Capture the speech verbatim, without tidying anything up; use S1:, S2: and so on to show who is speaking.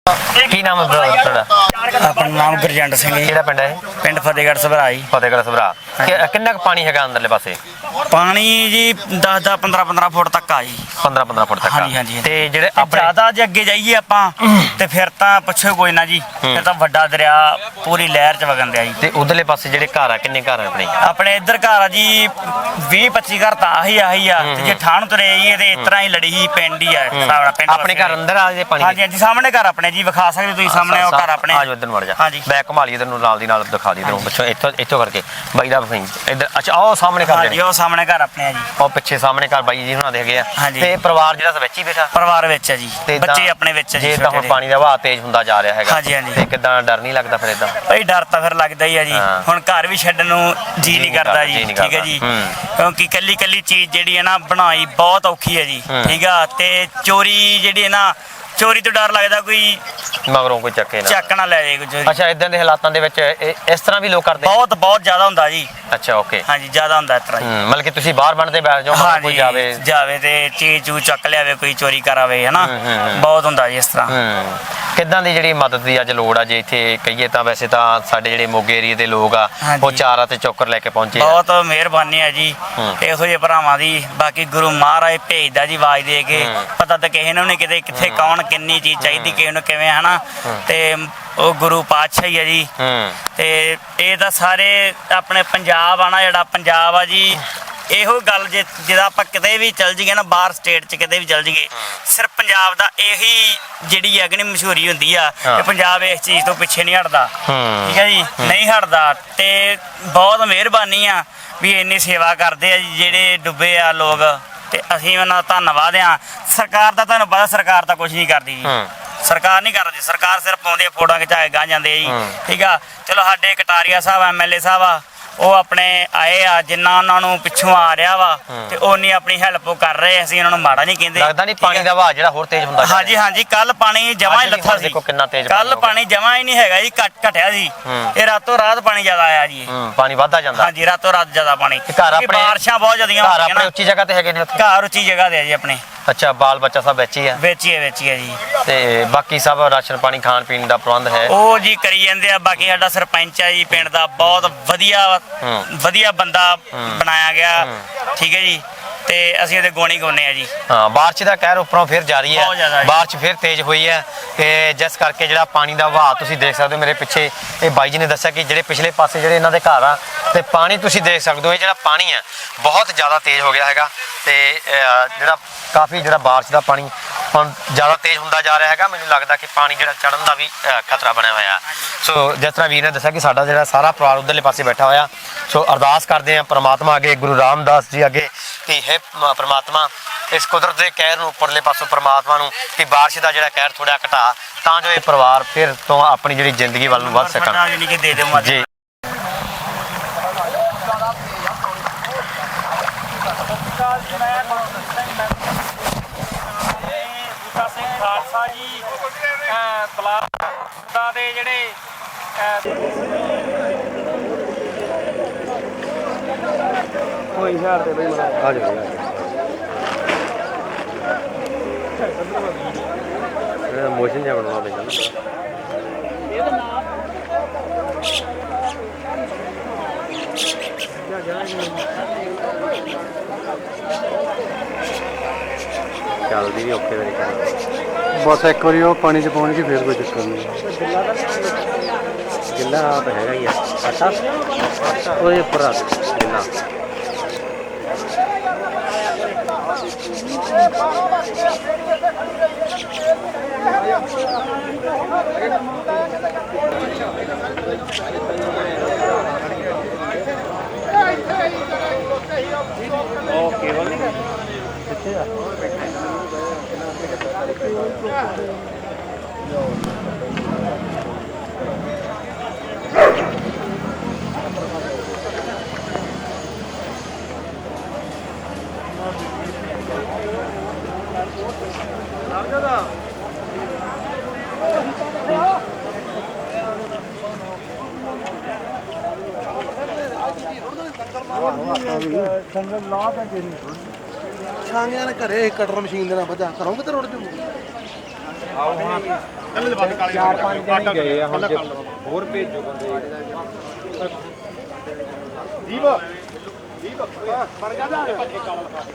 S1: ਕੀ ਨਾਮ ਹੈ ਤੁਹਾਡਾ?
S2: ਆਪਣਾ ਨਾਮ ਗੁਰਜੰਟ ਸਿੰਘ ਜੀ।
S1: ਕਿਹੜਾ ਪਿੰਡ ਹੈ?
S2: ਪਿੰਡ ਫਤਿਹਗੜ੍ਹ ਸਭਰਾ ਜੀ।
S1: ਫਤਿਹਗੜ੍ਹ ਸਭਰਾ। ਕਿੰਨਾ ਕੁ ਪਾਣੀ ਹੈਗਾ ਅੰਦਰਲੇ ਪਾਸੇ?
S2: ਪਾਣੀ ਜੀ ਦਸ ਦਸ ਪੰਦਰਾਂ ਪੰਦਰਾਂ ਫੁੱਟ ਤੱਕ ਆ ਜੀ।
S1: ਪੰਦਰਾਂ ਪੰਦਰਾਂ ਫੁੱਟ ਤੱਕ?
S2: ਹਾਂਜੀ ਹਾਂਜੀ।
S1: ਤੇ ਜਿਹੜੇ ਆਪਣੇ
S2: ਜ਼ਿਆਦਾ ਜੇ ਅੱਗੇ ਜਾਈਏ ਆਪਾਂ ਤੇ ਫਿਰ ਤਾਂ ਪੁੱਛੋ ਕੋਈ ਨਾ ਜੀ, ਫਿਰ ਤਾਂ ਵੱਡਾ ਦਰਿਆ ਪੂਰੀ ਲਹਿਰ ਚ ਵਗਣ ਦਿਆ ਜੀ।
S1: ਤੇ ਉਧਰਲੇ ਪਾਸੇ ਜਿਹੜੇ ਘਰ ਆ ਕਿੰਨੇ ਘਰ ਆ ਆਪਣੇ?
S2: ਆਪਣੇ ਇੱਧਰ ਘਰ ਆ ਜੀ ਵੀਹ ਪੱਚੀ ਘਰ ਤਾਂ ਆਹੀ ਆਹੀ ਆ। ਤੇ ਜੇ ਠਾਣ ਤੁਰੇ ਆਈਏ ਤੇ ਇਸ ਤਰ੍ਹਾਂ ਹੀ ਲੜੀ ਹੀ ਪਿੰਡ ਹੀ ਆ ਸਾਡਾ ਪਿੰਡ।
S1: ਆਪਣੇ ਘਰ ਅੰਦਰ ਆ ਜੇ ਪਾਣੀ?
S2: ਹਾਂਜੀ ਹਾਂਜੀ ਸਾਹਮਣੇ ਘਰ ਆਪਣੇ ਜੀ, ਵਿਖਾ ਸਕਦੇ ਤੁਸੀਂ ਸਾਹਮਣੇ ਉਹ ਘਰ ਆਪਣੇ।
S1: ਆਜੋ ਇੱਧਰ ਵੜ ਜਾ।
S2: ਹਾਂਜੀ
S1: ਮੈਂ ਘੁਮਾਲੀ ਇੱਧਰ ਨੂੰ ਨਾਲ ਦੀ ਨਾਲ ਦਿਖਾ ਦੀ ਇਧਰੋਂ ਪਿੱਛੋਂ ਇੱਥੋਂ ਇੱਥੋਂ ਕਰਕੇ ਬਾਈ ਦਾ ਇੱਧਰ। ਅੱਛਾ ਉਹ ਸਾਹਮਣੇ ਘਰ
S2: ਹਾਂਜੀ ਉਹ ਸਾਹਮਣੇ ਘਰ ਆਪਣੇ ਆ ਜੀ।
S1: ਉਹ ਪਿੱਛੇ ਸਾਹਮਣੇ ਘਰ ਬਾਈ ਜੀ ਹੁਣਾਂ ਦੇ ਹੈਗੇ ਆ। ਤੇ ਪਰਿਵਾਰ ਜਿਹੜਾ ਵਿੱਚ ਹੀ ਬੈਠਾ?
S2: ਪਰਿਵਾਰ ਵਿੱਚ ਆ ਜੀ, ਬੱਚੇ ਆਪਣੇ ਵਿੱਚ ਆ ਜੀ।
S1: ਜੇ ਤਾਂ ਹੁਣ ਪਾਣੀ ਦਾ ਵਹਾਅ ਤੇਜ਼ ਹੁੰਦਾ ਜਾ ਰਿਹਾ ਹੈਗਾ
S2: ਹਾਂਜੀ ਹਾਂਜੀ,
S1: ਤੇ ਕਿੱਦਾਂ ਡਰ ਨਹੀਂ ਲੱਗਦਾ ਫਿਰ? ਇਦਾਂ
S2: ਭਾਈ ਡਰ ਤਾਂ ਫਿਰ ਲੱਗਦਾ ਹੀ ਆ ਜੀ। ਹੁਣ ਘਰ ਵੀ ਛੱਡਣ ਨੂੰ ਜੀ ਨਹੀਂ ਕਰਦਾ ਜੀ, ਠੀਕ ਹੈ ਜੀ। ਕਿਉਂਕਿ ਕੱਲੀ ਕੱਲੀ ਚੀਜ਼ ਜਿਹੜੀ ਹੈ ਨਾ ਬਣਾਈ ਬਹੁਤ ਔਖੀ ਹੈ ਜੀ, ਠੀਕ ਆ। ਤੇ ਚੋਰੀ ਜਿਹੜੀ ਹੈ ਨਾ, ਚੋਰੀ ਤੋਂ ਡਰ ਲੱਗਦਾ ਕੋਈ
S1: ਮਗਰੋਂ ਕੋਈ ਚੱਕੇ ਨਾ
S2: ਚੱਕ ਨਾ ਲੈ ਜਾਏ ਕੋਈ।
S1: ਅੱਛਾ ਇਦਾਂ ਦੇ ਹਾਲਾਤਾਂ ਦੇ ਵਿੱਚ ਇਸ ਤਰ੍ਹਾਂ ਵੀ ਲੋਕ ਕਰਦੇ?
S2: ਬਹੁਤ ਬਹੁਤ ਜ਼ਿਆਦਾ ਹੁੰਦਾ ਜੀ।
S1: ਅੱਛਾ ਓਕੇ।
S2: ਹਾਂਜੀ ਜ਼ਿਆਦਾ ਹੁੰਦਾ ਇਸ ਤਰ੍ਹਾਂ ਜੀ।
S1: ਮਤਲਬ ਕਿ ਤੁਸੀਂ ਬਾਹਰ ਬਣਦੇ ਬੈਠ ਜਾਓ, ਮਤਲਬ ਕੋਈ ਜਾਵੇ
S2: ਜਾਵੇ ਤੇ ਚੀਜ਼ ਚੂ ਚੱਕ ਲਿਆਵੇ, ਕੋਈ ਚੋਰੀ ਕਰਾਵੇ, ਹੈ ਨਾ। ਬਹੁਤ ਹੁੰਦਾ ਜੀ ਇਸ ਤਰ੍ਹਾਂ।
S1: ਕਿੱਦਾਂ ਦੀ ਜਿਹੜੀ ਮਦਦ ਦੀ ਅੱਜ ਲੋੜ ਆ? ਜੇ ਇੱਥੇ ਕਹੀਏ ਤਾਂ ਵੈਸੇ ਤਾਂ ਸਾਡੇ ਜਿਹੜੇ ਮੋਗੇ ਏਰੀਏ ਦੇ ਲੋਕ ਆ ਉਹ ਚਾਰਾ ਤੇ ਚੌਕਰ ਲੈ ਕੇ ਪਹੁੰਚੇ।
S2: ਬਹੁਤ ਮਿਹਰਬਾਨੀ ਹੈ ਜੀ ਇਹੋ ਜਿਹੇ ਭਰਾਵਾਂ ਦੀ। ਬਾਕੀ ਗੁਰੂ ਮਹਾਰਾਜ ਭੇਜਦਾ ਜੀ ਆਵਾਜ਼ ਦੇ ਕੇ। ਪਤਾ ਤਾਂ ਕਿਸੇ ਨੂੰ ਨਹੀਂ ਕਿਤੇ ਕਿੱਥੇ ਕੌਣ ਕਿੰਨੀ ਚੀਜ਼ ਚਾਹੀਦੀ, ਕਿਸੇ ਨੂੰ ਕਿਵੇਂ, ਹੈ ਨਾ। ਤੇ ਉਹ ਗੁਰੂ ਪਾਤਸ਼ਾਹ ਹੀ ਆ ਜੀ। ਤੇ ਇਹ ਤਾਂ ਸਾਰੇ ਆਪਣੇ ਪੰਜਾਬ ਆ ਨਾ, ਜਿਹੜਾ ਪੰਜਾਬ ਆ ਜੀ, ਇਹੋ ਗੱਲ ਜੇ ਜਿਹਦਾ ਆਪਾਂ ਕਿਤੇ ਵੀ ਚੱਲ ਜਾਈਏ ਨਾ, ਬਾਹਰ ਸਟੇਟ 'ਚ ਕਿਤੇ ਵੀ ਚੱਲ ਜਾਈਏ, ਸਿਰਫ ਪੰਜਾਬ ਦਾ ਇਹੀ ਜਿਹੜੀ ਹੈਗੀ ਮਸ਼ਹੂਰੀ ਹੁੰਦੀ ਆ ਕਿ ਪੰਜਾਬ ਇਸ ਚੀਜ਼ ਤੋਂ ਪਿੱਛੇ ਨਹੀਂ ਹਟਦਾ, ਠੀਕ ਹੈ ਜੀ, ਨਹੀਂ ਹਟਦਾ। ਤੇ ਬਹੁਤ ਮਿਹਰਬਾਨੀ ਆ ਵੀ ਇੰਨੀ ਸੇਵਾ ਕਰਦੇ ਆ ਜੀ ਜਿਹੜੇ ਡੁੱਬੇ ਆ ਲੋਕ। ਤੇ ਅਸੀਂ ਉਹਨਾਂ ਦਾ ਧੰਨਵਾਦ ਆ। ਸਰਕਾਰ ਦਾ ਤੁਹਾਨੂੰ ਪਤਾ, ਸਰਕਾਰ ਤਾਂ ਕੁਛ ਨਹੀਂ ਕਰਦੀ ਜੀ। ਸਰਕਾਰ ਨਹੀਂ ਕਰਦੀ, ਸਰਕਾਰ ਸਿਰਫ ਪਾਉਂਦੇ ਫੋਟੋਆਂ ਖਿਚਾ ਕੇ ਗਾਂ ਜਾਂਦੇ ਆ ਜੀ, ਠੀਕ ਆ। ਚਲੋ ਸਾਡੇ Kataria sahib M L A sahib ਆ, ਉਹ ਆਪਣੇ ਆਏ ਆ, ਜਿੰਨਾ ਉਹਨਾਂ ਨੂੰ ਪਿੱਛੋਂ ਆ ਰਿਹਾ ਵਾ ਤੇ ਉਨੀ ਆਪਣੀ ਹੈਲਪ ਉਹ ਕਰ ਰਹੇ। ਅਸੀਂ ਉਹਨਾਂ ਨੂੰ ਮਾੜਾ ਨਹੀਂ ਕਹਿੰਦੇ।
S1: ਲੱਗਦਾ ਨਹੀਂ ਪਾਣੀ ਦਾ ਵਹਾਅ ਜਿਹੜਾ ਹੋਰ ਤੇਜ਼ ਹੁੰਦਾ?
S2: ਹਾਂਜੀ ਹਾਂਜੀ, ਕੱਲ ਪਾਣੀ ਜਮਾਂ ਹੀ ਲੱਥਾ ਸੀ।
S1: ਦੇਖੋ ਕਿੰਨਾ ਤੇਜ਼
S2: ਕੱਲ ਪਾਣੀ ਜਮਾਂ ਹੀ ਨਹੀਂ ਹੈਗਾ ਜੀ, ਘਟ ਘਟਿਆ ਸੀ। ਇਹ ਰਾਤੋਂ ਰਾਤ ਪਾਣੀ ਜ਼ਿਆਦਾ ਆਇਆ ਜੀ।
S1: ਪਾਣੀ ਵੱਧਦਾ ਜਾਂਦਾ? ਹਾਂਜੀ
S2: ਰਾਤੋਂ ਰਾਤ ਜ਼ਿਆਦਾ ਪਾਣੀ।
S1: ਘਰ ਆਪਣੇ
S2: ਬਾਰਿਸ਼ਾਂ ਬਹੁਤ ਜ਼ਿਆਦੀਆਂ
S1: ਘਰ ਆਪਣੇ ਉੱਚੀ ਜਗ੍ਹਾ ਤੇ ਹੈਗੇ ਨੇ?
S2: ਘਰ ਉੱਚੀ ਜਗ੍ਹਾ ਤੇ ਆ ਜੀ ਆਪਣੇ।
S1: ਅੱਛਾ ਬਾਲ ਬੱਚਾ ਸਭ ਵਿੱਚ ਹੀ ਆ?
S2: ਵਿੱਚ ਹੀ ਹੈ, ਵਿੱਚ ਹੀ ਹੈ ਜੀ।
S1: ਤੇ ਬਾਕੀ ਸਭ ਰਾਸ਼ਨ ਪਾਣੀ ਖਾਣ ਪੀਣ ਦਾ ਪ੍ਰਬੰਧ ਹੈ?
S2: ਉਹ ਜੀ ਕਰੀ ਜਾਂਦੇ ਆ। ਬਾਕੀ ਸਾਡਾ ਸਰਪੰਚ ਆ ਜੀ ਪਿੰਡ ਦਾ, ਬਹੁਤ ਵਧੀਆ ਵਧੀਆ ਬੰਦਾ ਬਣਾਇਆ ਗਿਆ, ਠੀਕ ਹੈ ਜੀ। ਤੇ ਅਸੀਂ ਉਹਦੇ ਗੁਣ ਹੀ ਗਾਉਂਦੇ ਆ ਜੀ।
S1: ਹਾਂ ਬਾਰਿਸ਼ ਦਾ ਕਹਿਰ ਉੱਪਰੋਂ ਫਿਰ ਜਾਰੀ ਹੈ, ਬਾਰਿਸ਼ ਫਿਰ ਤੇਜ਼ ਹੋਈ ਹੈ ਤੇ ਜਿਸ ਕਰਕੇ ਜਿਹੜਾ ਪਾਣੀ ਦਾ ਵਹਾਅ ਤੁਸੀਂ ਦੇਖ ਸਕਦੇ ਹੋ ਮੇਰੇ ਪਿੱਛੇ। ਇਹ ਬਾਈ ਜੀ ਨੇ ਦੱਸਿਆ ਕਿ ਜਿਹੜੇ ਪਿਛਲੇ ਪਾਸੇ ਜਿਹੜੇ ਇਹਨਾਂ ਦੇ ਘਰ ਆ ਤੇ ਪਾਣੀ ਤੁਸੀਂ ਦੇਖ ਸਕਦੇ ਹੋ, ਇਹ ਜਿਹੜਾ ਪਾਣੀ ਹੈ ਬਹੁਤ ਜ਼ਿਆਦਾ ਤੇਜ਼ ਹੋ ਗਿਆ ਹੈਗਾ। ਤੇ ਜਿਹੜਾ ਕਾਫੀ ਜਿਹੜਾ ਬਾਰਿਸ਼ ਦਾ ਪਾਣੀ ਹੁਣ ਜ਼ਿਆਦਾ ਤੇਜ਼ ਹੁੰਦਾ ਜਾ ਰਿਹਾ ਹੈਗਾ। ਮੈਨੂੰ ਲੱਗਦਾ ਕਿ ਪਾਣੀ ਜਿਹੜਾ ਚੜ੍ਹਨ ਦਾ ਵੀ ਖਤਰਾ ਬਣਿਆ ਹੋਇਆ। ਸੋ ਜਿਸ ਤਰ੍ਹਾਂ ਵੀਰ ਨੇ ਦੱਸਿਆ ਕਿ ਸਾਡਾ ਜਿਹੜਾ ਸਾਰਾ ਪਰਿਵਾਰ ਉੱਧਰਲੇ ਪਾਸੇ ਬੈਠਾ ਹੋਇਆ। ਸੋ ਅਰਦਾਸ ਕਰਦੇ ਹਾਂ ਪ੍ਰਮਾਤਮਾ ਅੱਗੇ, ਗੁਰੂ ਰਾਮਦਾਸ ਜੀ ਅੱਗੇ ਕਿ ਹੈ ਪ੍ਰਮਾਤਮਾ ਇਸ ਕੁਦਰਤ ਦੇ ਕਹਿਰ ਨੂੰ ਉੱਪਰਲੇ ਪਾਸੋਂ ਪ੍ਰਮਾਤਮਾ ਨੂੰ ਕਿ ਬਾਰਿਸ਼ ਦਾ ਜਿਹੜਾ ਕਹਿਰ ਥੋੜਾ ਘਟਾ, ਤਾਂ ਜੋ ਇਹ ਪਰਿਵਾਰ ਫਿਰ ਤੋਂ ਆਪਣੀ ਜਿਹੜੀ ਜ਼ਿੰਦਗੀ ਵੱਲ ਨੂੰ ਵੱਧ ਸਕਣ ਜੀ।
S2: ਖਾਲਸਾ ਜੀ ਬਲਾਕ ਦੇ ਜਿਹੜੇ ਕੋਈ ਹਿਸਾਬ ਤੇ ਬਈ ਮਰਾ ਆ ਜਾਓ
S1: ਇਹਦਾ ਮੋਸ਼ਨ ਜਿਹਾ ਬਣਾਉਣਾ ਪੈਂਦਾ ਨਾ।
S2: ਇਹਦਾ ਨਾਮ
S1: ਚੱਲਦੀ ਵੀ ਔਖੇ ਤਰੀਕੇ ਨਾਲ।
S3: ਬਸ ਇੱਕ ਵਾਰੀ ਉਹ ਪਾਣੀ 'ਚ ਪਹੁੰਚ ਗਈ ਫਿਰ ਕੋਈ ਚੱਕਰ ਨਹੀਂ।
S1: ਗਿੱਲਾ ਤਾਂ ਹੈਗਾ ਹੀ ਆ। ਆਟਾ ਉਹਦੇ ਉੱਪਰ ਆ ਗਿੱਲਾ। ਉਹ ਕੇਬਲ ਨਹੀਂ ਕਿੱਥੇ ਆ?
S3: ਸੰਗਲ ਲਾ ਕੇ ਜਿਹੜੀ ਛਾਂਗਿਆਂ ਨੇ ਘਰੇ ਕਟਰ ਮਸ਼ੀਨ ਦੇ ਨਾਲ ਵਧਾ ਕਰੋਗੇ ਤੇ ਰੁੜ ਜੂ।
S4: ਚਾਰ ਪੰਜ ਜਣੇ ਗਏ ਆ ਹੁਣ ਜੇ ਹੋਰ ਭੇਜੋ ਬੰਦੇ ਦੀਪ ਦੀਪ ਬਣ ਗਿਆ